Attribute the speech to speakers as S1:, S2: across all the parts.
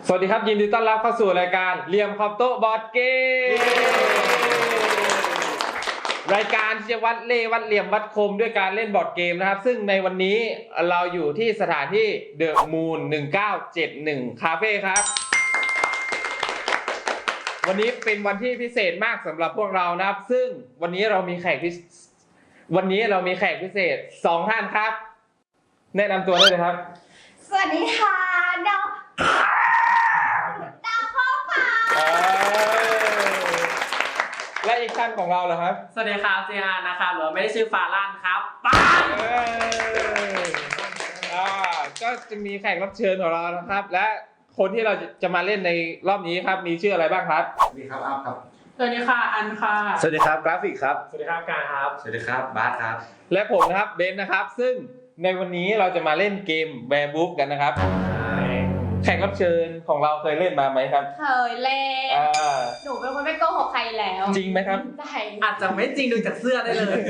S1: สวัสดีครับยินดีต้อนรับเข้าสู่รายการเหลี่ยมขอบโต๊ะบอร์ดเกมรายการที่จะวัดเล่วัดเหลี่ยมวัดคมด้วยการเล่นบอร์ดเกมนะครับซึ่งในวันนี้เราอยู่ที่สถานที่เดอะมูน1971คาเฟ่ครับวันนี้เป็นวันที่พิเศษมากสำหรับพวกเรานะครับซึ่งวันนี้เรามีแขกพิเศษ2ท่านครับแนะนำตัวได้เลยครับ
S2: สวัสดีค่ะดาวพ่อค่ะ
S1: และอีกท่านของเราเหรอครับ
S3: สวัสดีครับเจฮานะครับหรือไม่ได้ชื่อฟาลันครับป้า
S1: ก็จะมีแขกรับเชิญของเรานะครับและคนที่เราจะมาเล่นในรอบนี้ครับมีชื่ออะไรบ้างครับ
S4: สวัสดีครับอัพครับ
S3: สวัสดีค่ะอันค่ะ
S1: สวัสดีครับกราฟิกครับ
S3: สวัสดีครับการครับ
S4: สวัสดีครับบาสครับ
S1: และผมนะครับเบนนะครับซึ่งในวันนี้เราจะมาเล่นเกมแวร์บุ๊กกันนะครับแขกรับเชิญของเราเคยเล่นมาไหมครับ
S2: เคยเล่นหนูเป็นคนไม่โกหกใครแล้ว
S1: จริงไหมครับ
S2: ใช่
S3: อาจจะไม่จริงดูจากเสื้อได้เลย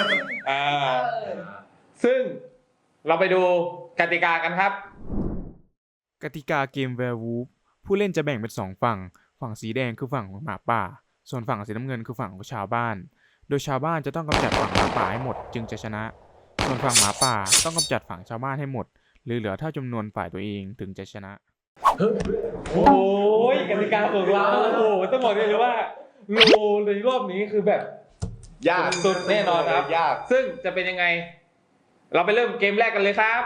S1: ซึ่งเราไปดูกติกากันครับ
S5: กติกาเกม Werewolf ผู้เล่นจะแบ่งเป็น2ฝั่งสีแดงคือฝั่งของหมาป่าส่วนฝั่งสีน้ำเงินคือฝั่งของชาวบ้านโดยชาวบ้านจะต้องกำจัดฝั่งหมาป่าให้หมดจึงจะชนะส่วนฝั่งหมาป่าต้องกำจัดฝั่งชาวบ้านให้หมดหรือเหลือเท่าจำนวนฝ่ายตัวเองถึงจะชนะ
S1: โอ้ยกติกาของเราโอ้ต้องบอกเลยว่าโลในรอบนี้คือแบบ
S4: ยาก
S1: สุดแน่นอนครับ
S4: ยาก
S1: ซึ่งจะเป็นยังไงเราไปเริ่มเกมแรกกันเลยครับ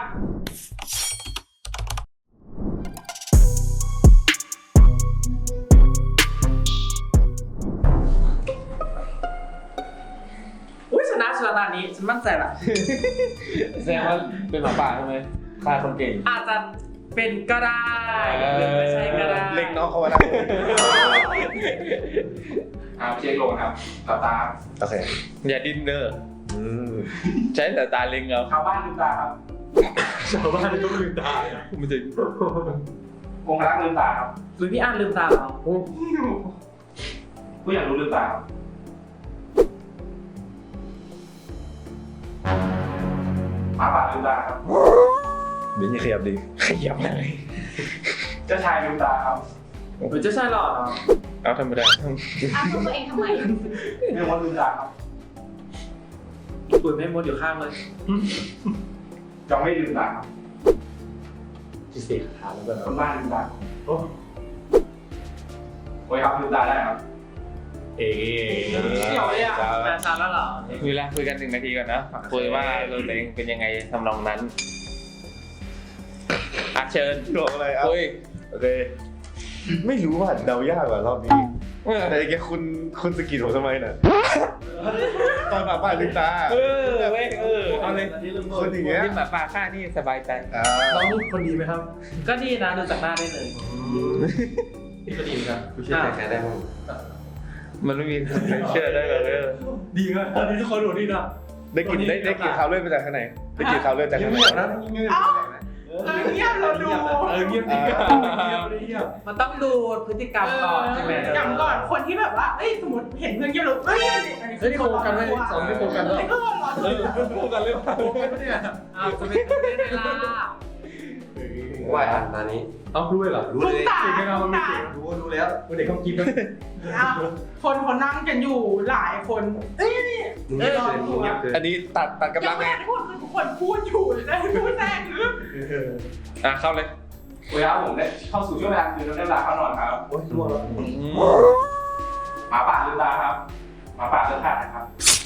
S3: ชนะตอนนี้ฉันมั่นใจละ
S1: แสดงว่าเป็นหมาป่าใช่ไหมฆ่าคนเก่ง
S3: อาจจะเป็นก็ได้หรือไม่ใช่ก็ได้
S4: เล็งน้องเขาไว้นะ
S1: เช็คลงครับตา
S4: โอเค
S1: อย่าดิ้นเนอร์ใช้แต่ตาเล็งเอา
S3: ชาวบ้านลืมตาครับ
S1: ชาวบ้านต้องลืมตาไม่ใช่
S3: องค์รักลืมตาครับหรือพี่อั้นลืมตาครับ
S1: ผู้อยากรู้ลืมตาครับหมาป่าลืมตาครับ
S4: เดี๋ยวจะขยับดี
S1: ขยับเลยเจ้าชายลืมตาครับ
S3: หรือเจ้าชายหล่อครับ
S1: เอาธรรมดา
S2: พูดตัวเองทำไม
S1: แม่มดลืมตาครับ
S3: ปุ่นแม่มดอยู่ข้างเลย
S1: จองไม่ลืมตาครับ
S4: ที่สี่ขาแล้วก็
S1: คนบ้านลืมตาโอ้ยครับลืมตาได้ครับ
S3: เกี่ยวเลยอ่ะมาช้าแล้วเหรอ
S1: คุยกัน1 นาทีก่อนนะคุยว่าเราเองเป็นยังไงทำนองนั้นเชิญ
S4: บอกอะไรอ่ะโอเคไม่รู้ว่าเดายากกว่ารอบนี้แต่แกคุณสกิดผมทำไมน่ะตอนหมาป่าลืมตา
S1: เอาเลย
S4: คนอย่างเงี้ย
S1: ที่หมาป่าฆ่านี่สบายใจ
S4: น้องคนดีไหมครับ
S3: ก็ดีนะดูจากหน้าได้เลย
S4: นี่ก็ดีครับคุณเชื่อใครได้บ้าง
S1: มันไม่มีเชื่อได้เลย
S4: ดีมากตอนนี้ทุกคนรู้ดีนะได้กลิ่นข่าวเลือดมาจากข้างไหนได้กลิ่นข่าวเลือดจากข้างไหน
S2: เงียบเราดู
S4: เงียบ
S3: มันต้องดูพฤติกรรมก่อนใช่ไหม
S2: อย่างก่อนคนที่แบบว่าสมมติเห็นเพื่อนเงียบเรา
S4: นี่โคกันไหมสองนี่โคกัน
S2: แล้ว
S4: โคกันเรื่องโคกันเนี่ย
S3: จะเป็นได้ไงล่ะ
S4: ว่าอันนี้รู้เลยเหรอรู้เลย
S2: ไม่เอาไม่
S4: รู้แล้วเด็กเขาคิดนะ
S2: คนเขานั่งกันอยู่หลายคน
S4: อันนี้ตัดกำลังไง
S2: พูดคือทุกคนพูดอยู่ได้พูดแทรก
S1: เข้าเลยเวลาผมได้เข้าสู่ช่วงเวลาคือเราได้เวลาเข้านอนครับ
S4: โอ้ยร่วงแล้ว
S1: หมาป่าลืมตาครับหมาป่าเลิกฆ่านะครับ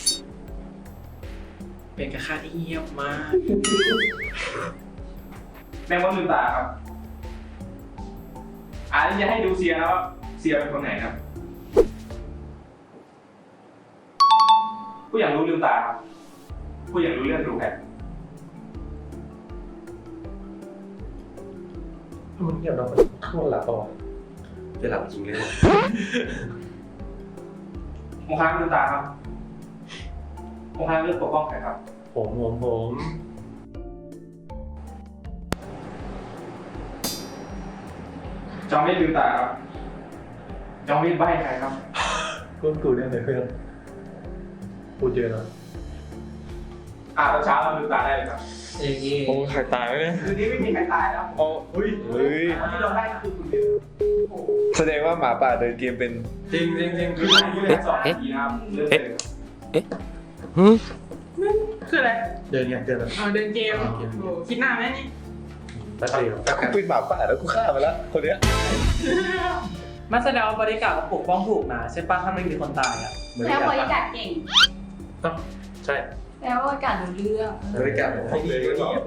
S3: เป็นกระคาที่เงียบมาก
S1: แม่มดลืมตาครับนี่จะให้ดูเซียนะว่าเซียเป็นคนไหนครับผู้อยากรู้ลืมตาครับผู้อยากรู้เรื่องดูแผน
S4: มันเงียบเราช่วงหลับต่อจะหลับจริงเลย
S1: โมฆะลืมตาครับโมฆะเลือกปกป้องใครครับ
S4: ผม
S1: จองไม่ลืมตาครับจองไม่ใบ้ใครครับ
S4: กูเนี่ยเพื่อนพูดเยอะนะ
S1: ตอนเช้าเราลืมตาได้เลยครับ
S3: อย่างนี้
S1: โอ้ใครตายไหมเนี่ย
S3: คืนนี้ไม่มีใครตายแล้ว
S1: โอ้
S4: เฮ้ย
S3: ที่เราได้คือคุณเดียว
S4: แสดงว่าหมาป่าเดินเกมเป็น
S3: จริงคือผู้เล่น2 นาทีนะครับเริ่มเลย
S6: คืออะไร
S3: เดินเดิน
S6: เดินเกมโอ้คิดหน้าไหมนี่
S3: แป๊บเดียว
S4: แต่กูเป็นหมาป่าแล้วกูฆ่าไปแล้วคนเนี้ย
S6: มันแสดงว่าบริการปกป้องถูกนะใช่ปะถ้าไม่มีคนตายอ่ะ
S2: แล้วบริการเก่ง
S3: ใช่
S2: แล้วบริการรู้เรื่อง
S3: บริการของเลยก็บอก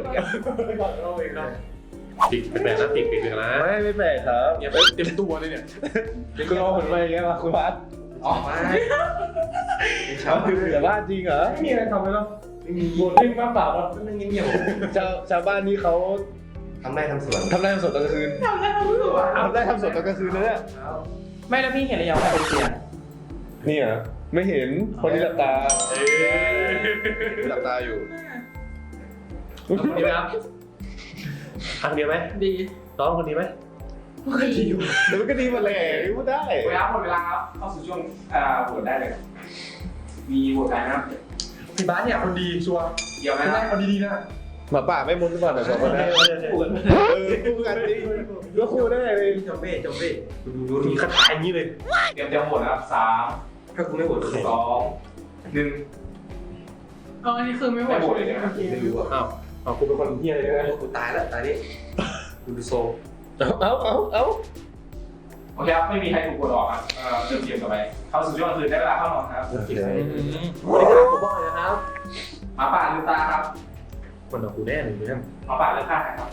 S3: ติดเป็นแบบนั้นติดนะ
S4: ไม่แปลกครับ
S3: อย่าไปเต็มตัวเลยเนี่ย
S4: คุณรอผลไปอย่างเงี้ยมาคุณพัด
S3: ออกมา
S4: เขาคือเหลือบ้านจริงเหรอ
S3: ไม่มีอะไรทำเลยหรอไม่มีบทเล่นมากเปล่าครับนั่งเงียบ
S4: ชาวบ้านนี้เขา
S3: ทำได้ทำสวน
S4: ทำได้ทำสดตอนกลางคืน
S6: ทำได้ทำรู้อ่ะ
S4: ทำได้ทำสดตอนกลางคืนนะเนี่ย
S6: ไม่แล้วพี่เห็นหรือยังว่าใครเป็นเสีย
S4: นี่เหรอไม่เห็นคนที่หลับตาหลับตาอยู่
S3: คนนี้ไหมครับทางเดียวไหม
S6: ดี
S3: น้องคนนี้ไหม
S2: ดี
S4: แต่มันก็ดีหมาแหละพูดได้
S1: เวลาหมดเวลาครับเข้าสู่ช่วงโหวตได้เลยมีโหวตใครนะครับ
S3: พี่บ้านเนี่ยคนดีชัวร์
S1: เดี๋ยวนะ
S3: ไม่ได้คนดีๆนะ
S4: หมาป่าไม่มุนหรือเปล่าเนี่ยสองคนนี้คู่กันจริงก็คู่ได้เลย
S3: จอมเบ้ดูมีคาถาอย่างนี้เลย
S1: เตรียมโหวตนะครับ3
S3: ถ้ากูไม่โหวต
S1: 2 1
S6: อ๋ออันนี้คือไม่หม
S1: ไม่
S6: ด
S1: โหวตเลยนะครับ
S3: ไม่รู้อ่ะอ้าวกูเป็นคนเฮี้ยเลยนะกูตายแล้วตายนี่กูดูโซ
S4: เอา
S1: โอเคครับไม่มีใครถูกโหวตออกครับเริ่มเกมต่อไปเข้าสู่ช่วงคืนได้เวลาเข้านอนครับ
S3: บริการผมบอกเลยนะครับ
S1: หมาป่าลืมตาครับ
S3: คนของกูแน่เลยเนี่ย
S1: หมาป่าเลือกฆ่าใครครับ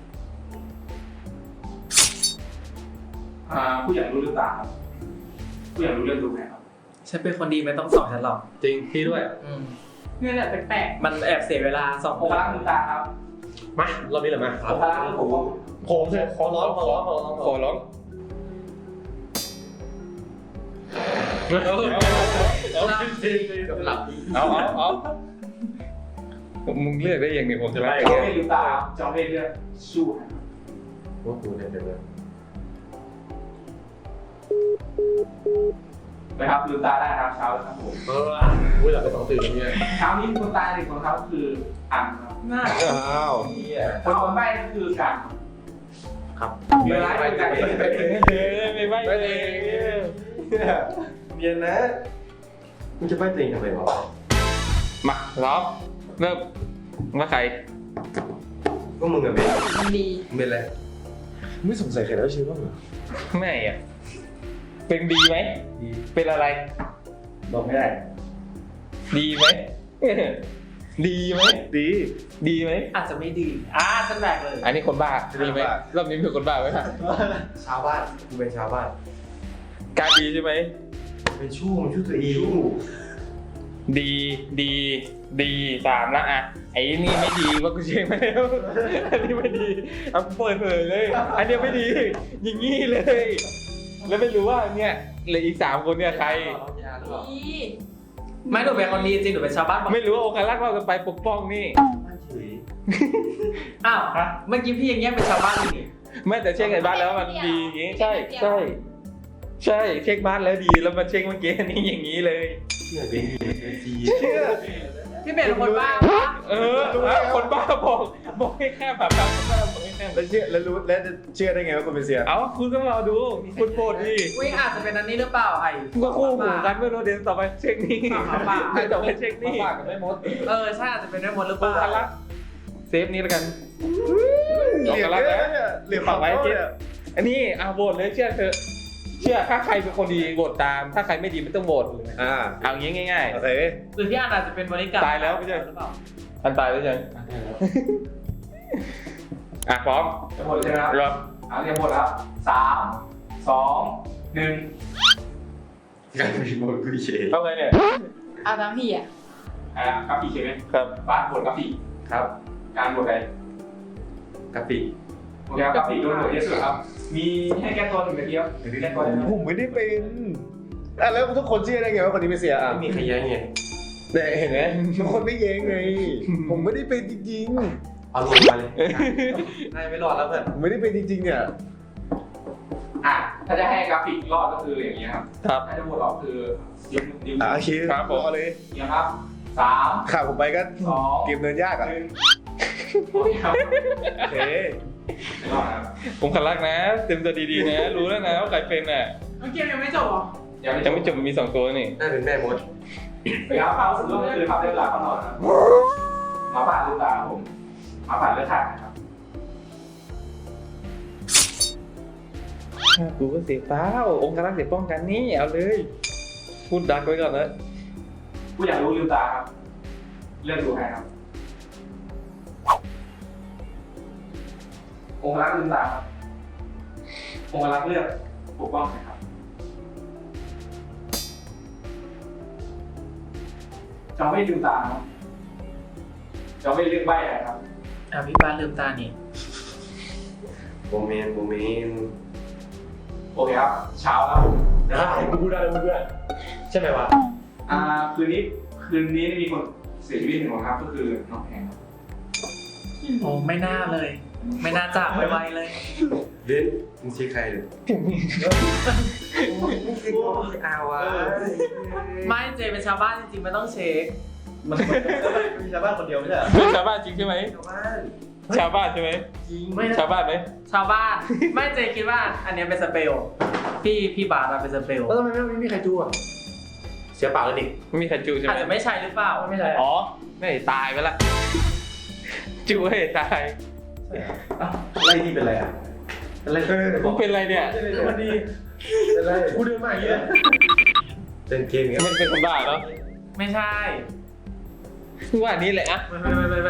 S1: ผู้อยากรู้ลืมตาครับผู้อยากรู้เรื่องดูไหมครับ
S6: ฉันเป็นคนดีไม่ต้องสอนฉันหรอก
S3: จริงพี่ด้วย
S6: นี่แหละแปลกๆมันแอบเสียเวลาสอง
S1: โอคารักลืมตาครับ
S3: มารอบนี้เลยมา
S1: โอคารักผม
S3: ผมขอร้อง
S4: ขอร้อง
S3: หลับ
S4: เอามึงเลือกได้ยังไงผมจะไล่
S1: จอมเวทลืมตาครับจอมเวทเลือกสู้ครับ
S3: ว่ากูเนี่ยเดี๋ยว
S1: นะครับลืมตาได้ครับเช้าแล้วครับผม
S3: กูหลับไป2 ตื่นเนี่ย
S1: เช้านี้มีคนตายหนึ่งคนครับคืออันครับ
S6: หน้า
S4: อ้าว
S1: คนใบ้ก็คือกัน
S3: ครับ
S1: เวลาให้กัน
S4: ไม่เลย
S3: เรียนนะมึงจะไปตัวเองทำไมวะ
S1: มาล้อมเริ่มว่าใคร
S3: ก็มึงอะเป็น
S2: มันดี
S3: เป็นอะไร
S4: ไม่สงสัยใครแล้วชื่อบ้างเหรอ
S1: ไม่อ่ะเป็นดีไหมเป็นอะไร
S3: บอกไม่ได้
S1: ดีไหม ดีไหม
S4: ดี
S1: ดีไหม
S6: อาจจะไม่ดีฉันแบกเลย
S1: อันนี้คนบ้าดีไหมรอบนี้เป็นคนบ้าไหมครับ
S3: ชาวบ้านกูเป็นชาวบ้าน
S1: การดีใช่ไหม
S3: เป็นชู้มันชู้ตัวเอง
S1: ดี3ละอ่ะไอ้นี่ไม่ดีว่ากูเช็คมาแล้วอันนี้ไม่ดีเอาเปิดเผยเลย อันนี้ไม่ดีอย่างงี้เลย แล้วไม่รู้ว่าเนี่ยเหลืออีก3คนเนี่ยใคร
S2: ดี
S6: ไม่หนูเป็นคนดีจริงหนูเป็นชาวบ้าน
S1: ไม่รู้ว่าโอคารักเราจะไปปกป้องนี่
S6: อ้าวเมื่อกี้พี่ยังแยกเป็นชาวบ้านอยู่นี่
S1: ไม่แต่เช็คไอ้บ้านแล้วมันดีอย่างงี้ใช่เช็คบ้านแล้วดีแล้วมาเช็คเมื่อกี้นี่อย่างงี้เลย
S3: เชื่อเป็นดี
S4: เชื่อ
S6: พี่เป็นคนบ้า
S1: คนบ้าบอกให้แค่แบบคนบ้าบอกให้แค่
S4: แล้วเชื่อแล้วรู้แล้วจะเชื่อได้ไงว่าคุณเป็นเสีย
S1: เอาคุณก็รอดูคุณโปรดดิ
S6: วิ่งอาจจะเป็นอันนี้หรือเปล่าไอ้
S1: คุณก็คู่หูกันไม่รู้เดี๋ยวต่อไปเช็คนี่ต่อไปเช็คนี่
S6: ใช่อาจจะเป็นได้หมดหรือเป
S1: โอ
S6: ล่า
S1: คารักเซฟนี้แล้วกัน
S4: เหลี่ยมเยอะเนี่ยเหลี่ยมฝั่งไว้เนี่ย
S1: อันนี้โหวตเลยเชื่อเถอะเชื่อถ้าใครเป็นคนดีโหวตตาม ถ้าใครไม่ดีไม่ต้องโหวต เอางี้ง่าย
S4: โอเค
S6: หรือพี่อันอาจจะเป็นบริการ
S1: ตายแล้วไม่ใช่
S6: หรือเปล่า
S1: ๆอันตายแล้วยังพร้อมจะโหวตใช่ไหมครับเรียกโหวตครับ3 2 1
S3: การมีโมกุเช
S1: เข้าไงเนี่ย
S2: เอาตามพี่อ่ะ
S1: กราฟีใช่ไหม
S4: ครับ
S1: บ้านโหวตกราฟี
S3: ครับ
S1: การโหวตใคร
S3: กะปิ
S1: โอเคครับกราฟีโดนโหวตเยอะสุดครับ มีให้แก้ตัว1 นาทีครับหรือแก้ตัวได้ไหม
S4: ผมไม่ได้เป็นแล้วทุกคนเชื่อได้ไงว่าคนนี้เป็นเสีย
S3: ไม่มีใครแย้งไง
S4: เนี่ยเห็นไหมทุกคนไม่เย้งไงผมไม่ได้เป็นจริง
S3: เอาลงมาเลยนายไม่รอดแล้วเพื่อน
S4: ๆผมไม่ได้เป็นจริงๆเนี่ย
S1: ถ้าจะให้กราฟิกรอดก็คืออย่างนี้ครับ
S4: ครับ
S1: ถ้าจะโหวตออกคือยกนิ้ว
S4: โอเค
S1: ครับผม
S4: เอาเลย
S1: เนี่ยครับ3
S4: ข่าวผมไปก็
S1: 2
S4: เกมเดินยากอ่ะ
S1: 1โอเคครับ
S4: โอเค
S1: ผมขันรักนะ เต็มตัวดีๆนะ รู้แล้วนะว่าใครเป็นอ่ะ
S6: เกมยังไม่จบเหรอ
S1: ยังไม่จบมันมี2ตัวนี่
S3: น่าเป็นแม่มด
S7: ไปครับความรู้สึกก็คือครับได้เวลาเข้านอนครับหมาป่าลืมตาครับผมหมาป่าเลือดขาดนะครับ
S1: กูก็เสียเปล่าองค์การรักษ์เสียป้องกันนี่เอาเลย พูดดักไว้ก่อนนะ
S7: ผู้อยากรู้ลืมตาครับเลือกดูใครครับองค์รักษ์ลืมตาครับองค์รักษ์เลือกปกป้องใครครับจะไม่ลืมตาครับจะไม่เลือกใบอะไรครับ
S6: พี่บ้านลืมตานี่
S3: โบเมน
S7: โอเคครับเช้าแล้วผม
S3: ได้กูพูดได้กูพูดได้ใช่ไหมวะ
S7: คืนนี้มีคนเสียชีวิตหนึ่งคนครับก็คือน้องแพงครับ
S6: โอ้ไม่น่าเลย ไม่น่าจากไวๆเลย
S3: เบนมึงชี้ใครเลยเอาวะ
S6: ไม่เจเป็นชาวบ้านจริงๆไม่ต้องเช็ค
S3: มันมีชาวบ้านคนเดียวไม่ใช่เหรอ
S1: เป็นชาวบ้านจริงใช่ไหม
S3: ชาวบ้าน
S1: ชาวบ้านใช่ไหม
S3: จริง
S6: ไม่
S1: ชาวบ้านไหม
S6: ชาวบ้าน ไม่เจคิดว่าอันเนี้ยเป็นสเปลพี่บาร์เป็นสเปล
S3: แล้วทำไมไม่มีใครจูอ่ะเสียปากเลยดิ
S1: ไม่มีใครจูใช่ไห
S6: อาจ
S1: ม
S6: จะไม่ใช่หรือเปล่า
S3: ไม่ใช่
S1: อ๋อไม่ตายไปละ จูให้ตาย
S3: ไล่ที่เป็นไรอ่ะอะไร
S1: มึงเป็นอะไรเนี่ย
S3: มันดีเป็นไรกูเดินมาอย่างนี้เลยเล่นเกมอย่างเงี้ย
S1: มันเป็นคนบ้าเนาะ
S6: ไม่ใช่
S1: คือว่านี้แหละอะ
S3: ไม่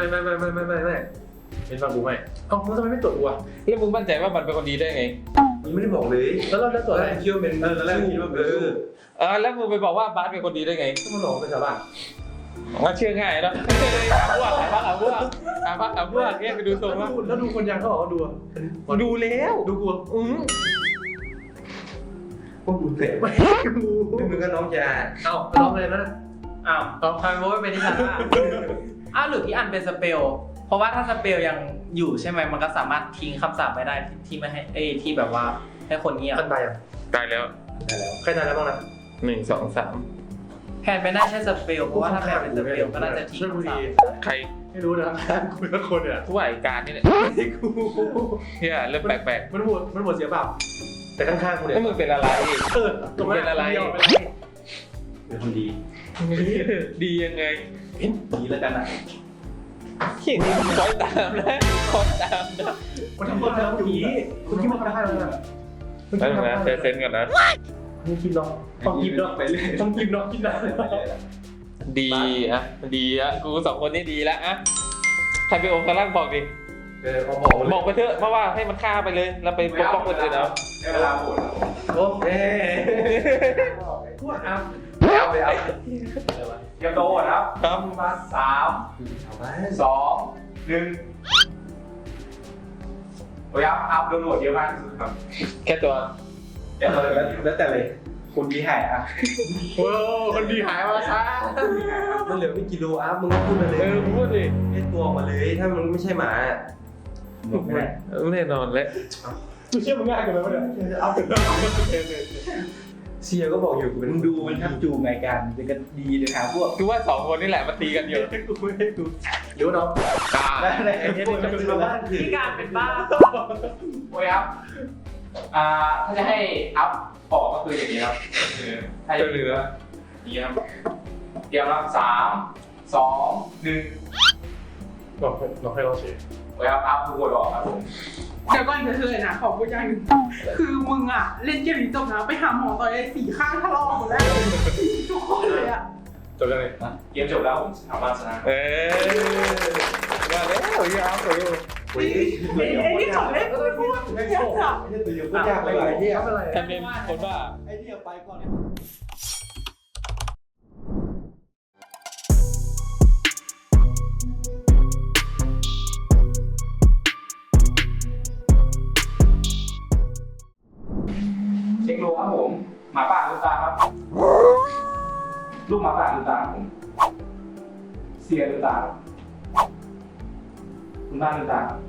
S3: เป็นฟังกูไหมเอ้ามึงทำไมไม่ตรวจกูอ่ะ
S1: แล้วมึงมั่นใจว่ามันเป็นคนดีได้ไง
S3: มึงไม่ได้บอกเลยแล้วเราได้ตรวจอะไรคิดว่าเป็นแล้วแรกคิดว่า
S1: แล้วมึงไปบอกว่าบาสเป็นคนดีได้ไง
S3: ก็มาหลอกเป็นชาวบ้าน
S1: งั้นเชื่อง่ายเนาะหาพวกเนี่ยไปดูทรงว่า
S3: แล้วดูคนยังเขาบอกว่าดูอ่ะ
S1: ดูแล้ว
S3: ดูกูพวกกูเตะไม่กูมึงก็น้องยาเอ้าน้องอะไรนั่น
S6: อ้าวทำไมไม่เป็นที่ฉันล่ะอ้าวหรือพี่อันเป็นสเปลเพราะว่าถ้าสเปลยังอยู่ใช่ไหมมันก็สามารถทิ้งคำสาปไปได้ที่ไม่ให้ที่แบบว่าให้คนเงียบ
S3: ท่านตายยัง
S1: ตายแล้ว
S3: ตายแล้วใครตายแล้วบ้างนะ
S1: 1 2
S6: แพนไม่น่าใช่สเปลเพราะว่าถ้าแพนเป็นสเปลก็น่าจะทิ้งคำสาป
S1: 3ใคร
S3: ไม่รู้นะครับคุยกับคนเนี่ย
S1: ผู้ว่าการนี่แหละ
S3: กู
S1: เฮียเริ่มแปลก
S3: มันหมดเสียเปล่าแต่ข้างๆกู
S1: ๆ
S3: เนี่ย
S1: แล้วมึงเป็นอะไร
S3: ตรงนั้นเป็นอะไรเป็นคนดี
S1: ดียังไง
S3: ดีแล้วกันนะ
S1: เขียนนี่คอยตามนะคอยตามนะ
S3: มันทำคนทำผีคุณคิดว่าทำได้แล้วนะ
S1: แล้วนะเซนกันนะ
S3: มึงกินน้องต้องกินน้องไปเลยต้องกินน้องกินได้
S1: ดีอะกู2คนนี่ดีแล้วอะใครเป็นองค์กรบอกดิ
S3: เขาบอกเลย
S1: บอกไปเถอะเพราะว่าให้มันฆ่าไปเลยแล้วไปปกป้องคนอื่นเอา
S7: ได้เวลาโหวตแล้วผม
S3: โอ้เอ๊พูดเอา
S7: เตรียมตัวโหวตครับ
S1: ครับ
S7: มา3 2 1โอ้ยครับโดนโหวตเยอะมากที่สุดครับ
S1: แค่ตัว
S7: เดี๋ยวแล้วแต่เลยคุณดีหายอ่ะ
S3: โอ้คนดีหายมาซะมันเหลือไม่กี่โลอัพมึงก็พูดมาเลย
S1: พูดดิ
S3: เล่นตัวออกมาเลยถ้ามันไม่ใช่หมา
S1: แน่นอนเลย
S3: กูเชื่อมึงง่ายกว่านั้นเลยเอาเสียก็บอกอยู่กูเป็น
S7: มึงดูมันทับจูงไงกันเป็นกันดีเลยครับพวก
S1: คือว่า2คนนี่แหละมาตีกันอยู่
S3: กูไม่ให้ดูเดี๋ยวน้อง
S7: ได้ไอ้เนี่ยจะเป็นบ้าน
S6: พี่การเป็นบ้า
S7: โอ้ยครับถ้าจะให้อัพออกก็คืออย่างนี้ครับคือถ้าจะเหลืออย่างนี้ครับเตรียมครับ3 2 1
S3: บอกให้เราเสีย
S7: โอ้ยครับอัพทุกคนออกครับผม
S8: เดี๋ยวก่อนเธอนะขอพูดอย่างหนึงคือมึงอะเล่นเกมนี้จบนะไปหาหมอต่อย4 ข้างทะเลาะหมดแล้วทุกคนเลยอะ
S3: จบยังไง
S7: เกมจบแล้วผมสามารถชนะ
S1: มาแล้วยาวเลย
S3: โอ้ย
S8: ไอ้นี่ขอเล่นไม่พูด
S3: ไม่โชคไม่ใช่ตัวอยู่ก็ยากไปหลายที่อะไร
S1: แคมเปญคนบ้า
S3: ไอ้ที่ไปก่อน
S7: เช็คโลครับผมหมาป่าลืมตาครับลูกหมาป่าลืมตาครับผมเสียลืมตาครับคุณบ้านลืมตาครับ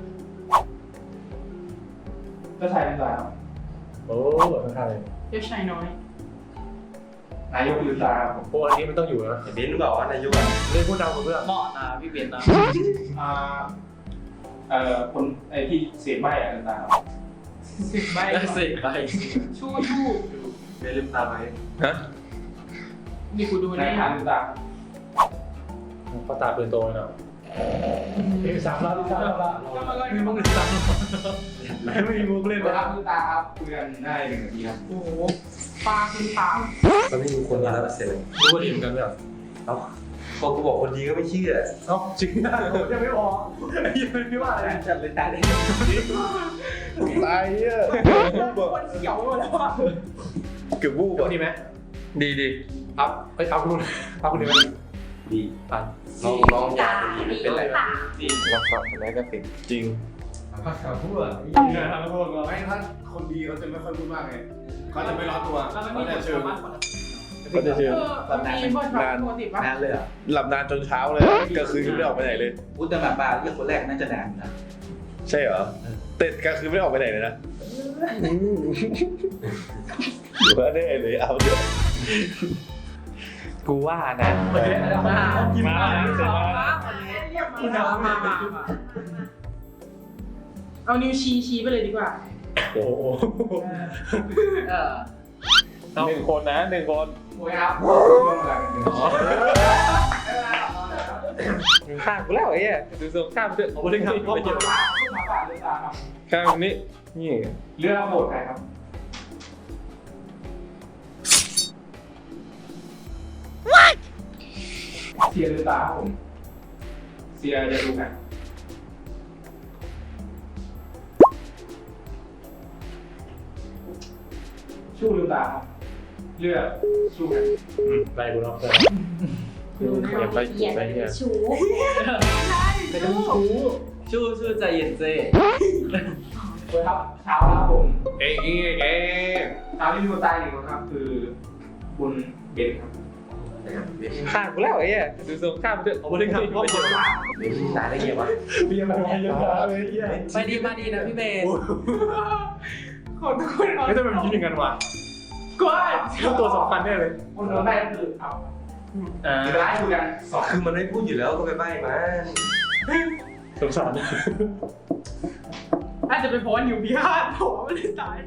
S7: เจ้าชายลืมตาครับ
S3: โอ้ทั้งค่าเลย
S8: เด็กชายน้อย
S7: นายกลืมตาครับผม
S3: โอ้อันนี้มันต้องอยู่นะบินหรือเปล่านายกเล่นพูดดังกว่าเพื่อน
S6: เหมาะนะพี่เบนนะ
S7: อ่าคนไอ้ที่เสียใบอ่ะต่าง
S8: สิบใบ
S6: สิไป
S8: ชู
S3: ไม่ลืมตาไหม
S1: ฮะ
S8: นี่กูดู
S7: ๆใน
S8: นี่
S7: ทางต่าง
S3: ก็ตาปืนโตเลยเนาะมีสามรอบที่สามรอบละ
S6: มีมุกอีกสัก
S3: ไม่มีมุกเล่น
S7: เวลาคือตาครับคุยกันได้1 นาทีครับ
S8: โอ้โหปลาคือตาม
S3: มันไม่มีคนมาแล้วเสร็จเลยรู้ว่าดีเหมือนกันไหมอ่ะเอ้าพอกูบอกคนดีก็ไม่เชื่อเอ้าจริงนะผมยังไม่ออกยังไม่ว่าอะไรจัดเลยตาเลย
S4: ตายอ่ะ
S8: คนเขียวไปหมดแล้วอ่ะ
S4: เกือบวูบ
S3: คน
S4: อ่ะ
S3: ดีไหม
S1: ดี
S3: อัพเอ้ยอัพคุณอัพคนดีไหมดีปันน้องอยากเป็นไร
S7: จริง
S1: เราสอบอะไรก็ติด
S4: จริง
S3: ภาษาพูดอ่ะ
S4: ไม่ถ้าคนดีเขาจะไม่ค่อยพูดมากไงเขาจะไม่ร้อนตัว
S6: แล้วมัน
S4: เขา
S6: มี
S4: จะ
S6: บท
S4: เชิญ
S6: บาทคน
S4: เขาจะเชิญ
S8: มีบทบาทปกติป่ะ
S3: นานเลยอ่ะ
S4: หลับนานจนเช้าเลยกลางคืนก็ไม่ได้ออกไปไหนเลย
S3: พูดแต่แบบบ้าเรื่องคนแรกน่าจะนานนะ
S4: ใช่เหรอแต่กลางคืนไม่ได้ออกไปไหนเลยนะอยู่ว่าได้เลยเอาเดี๋ยว
S1: กูว่านะ
S6: มา
S8: เอานิ้วชี้ไปเลยดีกว่า
S3: โอ้โห
S1: 1 คนนะ1 คน
S7: โอ้ยครับช่วงเวลากัน
S1: ข้างกูแล้วไอ้เหี้ยดูทรงข้ามเถอะ
S3: ผมไม่ได้ครับพ่อ
S1: ไม่เจ็บ
S7: หมาป่าเรือตาครับ
S1: ข้ามนี้นี่
S7: เรือโบสถ์ใครครับเสียเรือตาครับผมเสียจะดูกันชู้เรือตาครับเรือชู้กัน
S3: ไปกูเนาะ
S1: อย่าไปไปเนี่ย
S2: ชู
S8: ไม่ต้องชู
S6: ชื่อใจเย็นเจ้
S7: โอ้ยครับเช้าแล้วครับผม
S1: เอ้ยเอ้ย
S7: เช้าที่มีคนตายหนึ่งคนครับ คือคุณเบนครับ
S1: ข้างกูแล้วไอ้เหี้ยดูทรงข้ามเถอะ
S3: ผมไม่ได้ครับพ่อ
S1: ไม่เจ็บ
S3: ตายได้ไงวะเบียร์มันเยอะเลยเหี้ย
S6: ไปดีมาดีนะพี่เบน
S8: ขอทุกคนเอา
S3: ไม่ต้องเป็นยิ้มอย่างนั้นวะ
S8: กว่า
S3: ตัวสำคัญแน่เลย
S7: คนโดนได้ก็คือเอาเดี๋ยวไล่ดูกันสอง
S3: คือมันไม่พูดอยู่แล้วก็ไปใบ้มาสงสาร
S8: อาจจะเป็นเพราะว่านิ้วพิฆาตเพราะว่ามันเลยตาย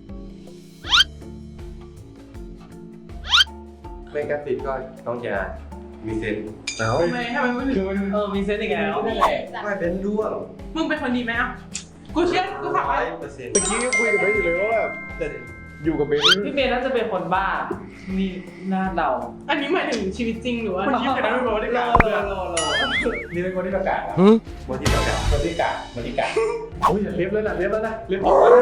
S3: ไม่กระติดก็ต้องอย่ามีเซนเอา
S8: ทำไมมันถึง
S6: มีเซนต์อีกแล้ว
S3: ไม่เป็นร่วง
S8: มึงเป็นคนดีไหมอ่ะกูเชื่อกูถามว่า
S3: 100%
S4: เมื่อกี้ก็คุยกับเบนอยู่เลยว่าแบบอยู่กับเบน
S6: พี่เบนน่าจะเป็นคนบ้ามีหน้าเดา
S8: อันนี้หมายถึงชีวิตจริงหรือว่าคนที่เป็นนักวิเคราะห์ได้
S6: โล
S8: กัน
S6: โลโล
S3: นี่เป็นคนที่ประกาศ
S4: วันที่ประกาศ
S3: คนที่กาคนที่กาโอ้ยเล็บแล้วนะเล็บออกแล้วนะ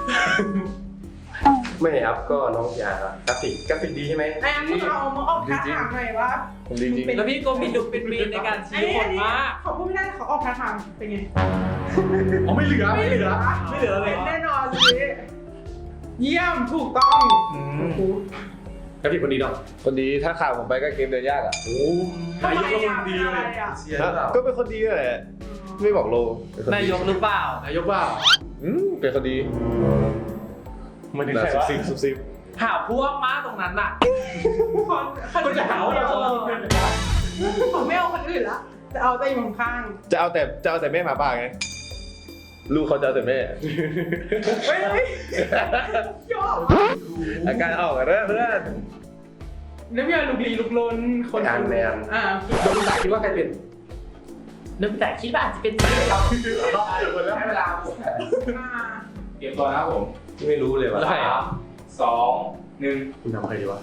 S3: ไม่ครับก็น้องยากราฟิกดีใช่ไหม
S8: ไอ้อันนี้เอามาออกท่าทางหน่อยว่า
S4: ผมดีจริง
S6: แล้วพี่โกมีดุเป็นมีในการชี้คนมาก
S8: เขาพูดไม่ได้เขาออกท่าทางเป็นไง
S3: อ๋อไม่เหลือ
S8: ไม่เหลือเลย แน่นอนสิเยี่ยมถูกต้อง
S3: กราฟิกคนดีเนาะ
S4: คนดีถ้าข่าวผมไปก็เกมเดินยากอ่ะ
S3: โอ้นายกก็คนดีเลยเชียร์หรือเปล่า
S4: ก็เป็นคนดีแหละไม่บอกโล
S6: นายกหรือเปล่าน
S3: ายกว่า
S4: เป็นคนดี
S3: มันถึง
S4: นะ
S3: ใคร
S4: ซุบ
S3: วะ
S4: ซิบซุบซิบ
S6: หาพวกมากตรงนั้นน่ะ
S8: คนจะหาว่าเราผมไม่เอาคนอื่นละจะเอาแต่อยู่ข้าง
S4: จะเอาแต่แม่หมาป่าไงลูกเขาจะเอาแต่แม่
S8: เฮ้ยยอด
S4: อาการออกกันเพื่อน
S8: แล้วพี่ลุกลี้ลุกลนคน
S3: งานแมน
S8: คือ
S3: โดนด่าคิดว่าใครเป็น
S6: นึกแต่คิดว่าอาจจะเป็น
S7: ให้เวลาผม เตรียมตัวนะครับผม
S3: ไม่รู้เลยว่ะ
S7: 3 2 1
S3: คุณทำใครดีวะ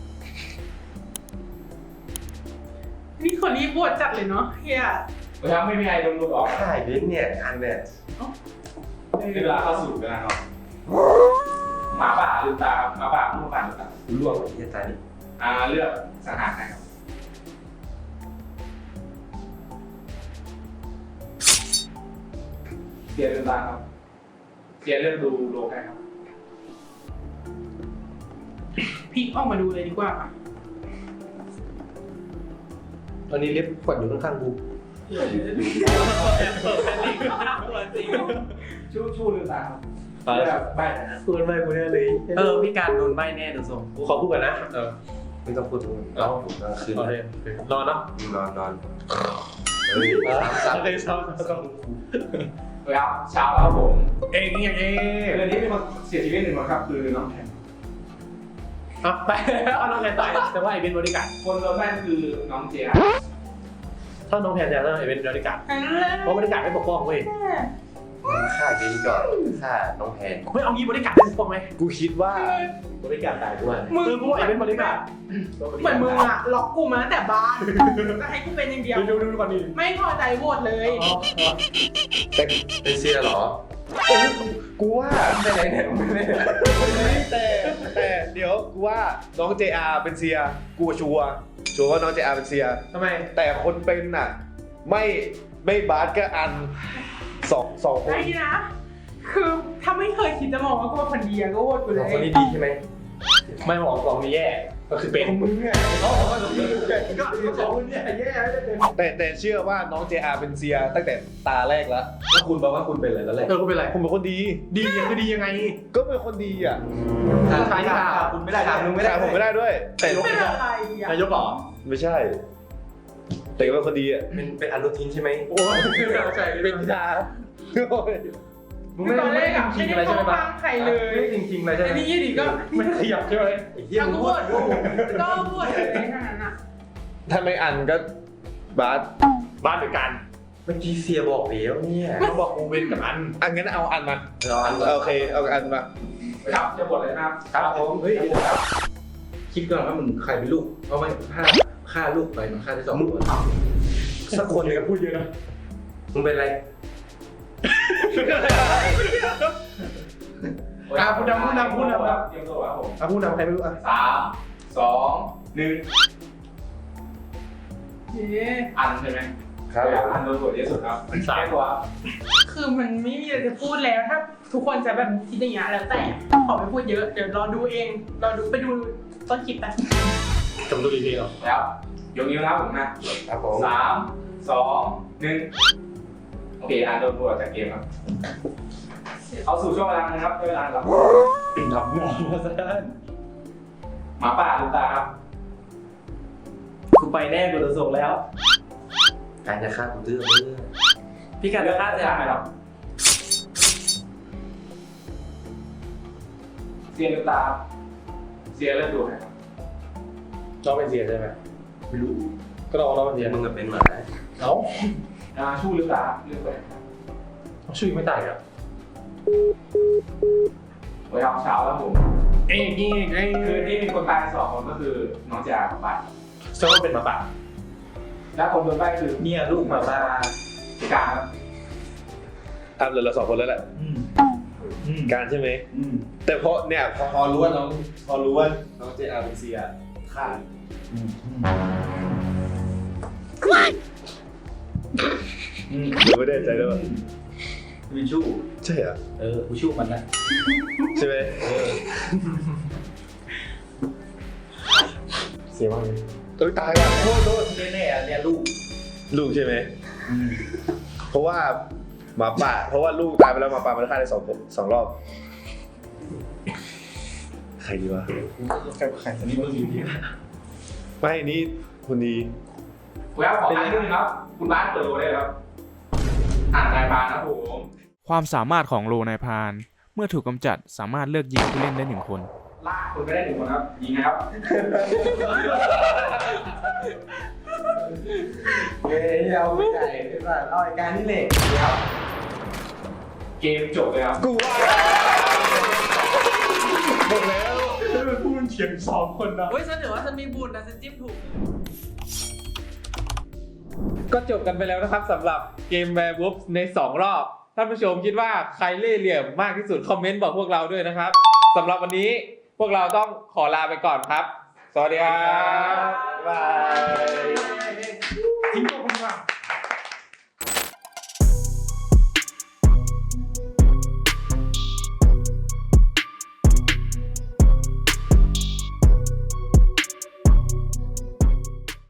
S8: นี่คนนี้บวชจัดเลยเนาะเฮีย
S7: ถ้าไม่มีใครโดนลูกออก
S3: ใช่เบนเนี่ยอันเนี่ย
S7: เวลาเข้าสู่กันนะครับหมาป่าลืมตาหมาป่าหมาป่าลืมตา
S3: ร่วงที่จะตายนี่
S7: เลือกสังหารใครครับเสียลืมตาครับเสียเลือกดูโลใครครับ
S8: พีกออกมาดูเลยดีกว่า
S3: ตอนนี้เล็บกดอยู่ข้างๆกู
S7: ชู้ลืมตาครับเลือกใบนะ
S3: พูดไม่กูแน่เลย
S6: พี่การโดนใบแน่ดูทรง
S3: กูขอพูดก่อนนะไม่ต้องพูดถึงเรากลางคืน
S1: นอนเนาะ
S3: นอนสามเลยซ้ำ
S7: โอเคครับเช้าแล้วผม
S3: เองอย่างเอง
S7: เรื่องนี้มีคนเสียชีวิตหนึ่งคนครับคือน้องแทน
S3: อ่ะไปเอาน้องแทนตายแต่ว่าไอ้เป็นบริการ
S7: คนโดนแม่นคือน้องเจีย
S3: ถ้าน้องแทนจะต้องไอ้เป็นบริการ
S8: อันนั้นแหละ
S3: เพราะบริการไม่ปกป้องเว้ย
S4: ฆ่าเกมก่อนฆ่าน้องแพน
S3: ไม่เอางี้บริการได้ปกป้องไหม
S4: กูคิดว่า
S3: บริการตายด้วยเพราะว่าไอ้เป็นบริการ
S8: เหมือนมึงอะล็อกกูมาตั้งแต่บ้านจะให้กูเป็นอย่างเดียว
S3: ดูก่อนดิ
S8: ไม่พอใจโหวตเลย
S4: เป็นเซียเหรอกูว่าไม่ไหนเนี่ยแต่เดี๋ยวกูว่าน้อง JR เป็นเซียกูชัวร์ว่าน้อง JR เป็นเซีย
S3: ทำไม
S4: แต่คนเป็นน่ะไม่บาสก็อันสองคน
S8: ไอ้นะ คือถ้าไม่เคยคิดจะมองว่ากูเป็นคนดีอะก็โหวตกูเลย
S3: คนนี้ดีใช่ไหมไม่บอกสองนี้แย่ก็คือเป็นมึงไงเขาบอกว่าสองนี้ก็สองคนเนี่ยแย่ไม่ได้เป็น
S4: แต่เชื่อว่าน้อง JR เป็นเซียตั้งแต่ตาแรกแล้ว
S3: แล้วคุณบอกว่าคุณเป็นอะไรตอนแรกคุณเป็นอะไร
S4: ผมเป็นคนดี
S3: ดียังคือดียังไง
S4: ก็เป็นคนดีอ่ะ
S3: ใช่ค่ะคุณไม่ได้ถามมึงไม่ได้
S4: แต่ผมไม่ได้ด้วย แต่
S8: เป็นอะไรอะ
S3: นายกหรอ
S4: ไม่ใช่ แต่ก็เป็นคนดีอ่ะ
S3: เป็นอนุทินใช่ไหมโอ้ยใช่เป็นพิธามึงไม่
S8: ตอนแร
S3: ได้
S8: กอะ
S3: จริ
S8: ไม่
S3: ง
S8: ได้
S3: อะไร
S8: ม
S3: ใช่
S8: อง
S3: ไหม
S8: ข้างใครเลย
S3: ไม่จริงๆเลยใช่ไหม
S8: ไอ้นี่ยี่ดีก็
S3: ไม่ขยับใช่ไหมไอ้เหี้ย
S8: ก็
S3: มึง
S8: โหวตก็โหวตเลยขนาดนั้นอะ
S4: ถ้าไม่อันก็บาส
S3: บ้านเป็นกันเมื่อกี้เสียบอกแล้วเนี่ยเขาบอกกูเป็นกับอัน
S4: อันงั้นเอาอันมา
S3: เราอัน
S4: โอเคเอาอันมา
S7: ครับจะบทเลยนะครับ
S3: ครับผมเฮ้ยคิดก่อนว่ามึงใครเป็นลูกเพราะไม่ฆ่าลูกไปมันฆ่าได้สองคนสักคนหนึ่งพูดเยอะนะมึงเป็นอะไรพูดนำ
S7: ครับเตรียมตัวครับผม
S3: พูดนำใครไม่รู้อ่ะ
S7: 3 2 1
S8: เย้
S7: อันใช่ไหม
S4: ครับ
S7: อันโดนบทที่สุดครับสามตัว
S8: คือมันไม่มีอะไรจะพูดแล้วถ้าทุกคนจะแบบคิดอย่างเงี้ยแล้วแต่ขอไม่พูดเยอะเดี๋ยวรอดูเองรอดูไปดูต้นคลิปไป
S3: จำตัวดีๆหรอ
S7: แล้วยกนิ้วนะครับผมนะครับ
S3: ผม
S7: 3 2 1โอเคอันโดนบทจากเกมครับเอาสู่ช่วงเวลานะครับช่วงเวลาครับ
S3: หลับนอนมาซะ
S7: หมาป่าลืมตาครับ
S6: กูไปแน่กูจะส่งแล้ว
S3: การจะฆ่ากูดื้อ
S6: พี่กันจะฆ่าเสีย
S7: ไหมครับเสียลืมตาครับเสียเริ่มดูไหมครับ
S3: น้องเป็นเสียใช่ไหมไม่รู้ก็น้องเป็นเสียมึงกับเป็นหมาเอ้า
S7: ชู้ลืมตาเลือกไป
S3: ชื่อไม่ตายอ่ะ
S7: ไว้เอาเช้าแล้วผม
S3: เอ้ยนี่ไง
S7: คือที่มีคนตาย2 คนก็คือน้องจ่ากับป่า
S3: เชื่อว่าเป็นหมาป่า
S7: และคนโดนใบ้คือ
S6: เนี่ยลูกหมาบ้า
S7: พิการครับ
S4: อันเหลือเราสองคนแล้วแหละการใช่ไหมแต่พอเนี่ยพอรู้ว่าน้องเจอาเป็นเซียฆ่าหรือไม่ได้ใจด้วยป่ะ
S3: เป็นชู้
S4: ใช่เหรอ
S3: กูชู้มันนะ
S4: ใช่ไหมเสียมากเลยตายว่ะ
S3: โทษแน่ๆเนี่ยลูก
S4: ลูกใช่ไหมเพราะว่าหมาป่าเพราะว่าลูกตายไปแล้วหมาป่ามันฆ่าได้สองรอบใครดีวะ
S3: ใครสนิทมึงอยู่ดี
S4: ไม่นี่คุณดี
S7: ไว้เอาของอันที่นึงครับ คุณบ้านเปิดโลได้ครับอ่านนายพานครับผม
S5: ความสามารถของโลนายพราน เมื่อถูกกำจัดสามารถเลือกยิงผู้เล่นได้1 คน
S7: ลากคุณไปได้1 คนครับ ยิงนะครับ
S6: เฮ้ยเราไม่ใจเป็นแบบเอาไอ้การนี่เหล็ก
S7: ครับเกมจบเลยครับ
S4: กูว่า
S3: หมดแล้วพูดเฉียง2 คนนะ
S6: เฮ้ยฉันถือว่าฉันมีบุญนะฉันจิ้มถูก
S1: ก็จบกันไปแล้วนะครับสำหรับเกม Werewolf ใน 2 รอบ ท่านผู้ชมคิดว่าใครเล่ห์เหลี่ยมมากที่สุดคอมเมนต์บอกพวกเราด้วยนะครับสำหรับวันนี้พวกเราต้องขอลาไปก่อนครับ สวัสดีครับ
S4: บาย
S3: ทิ้งตัวคนก่อน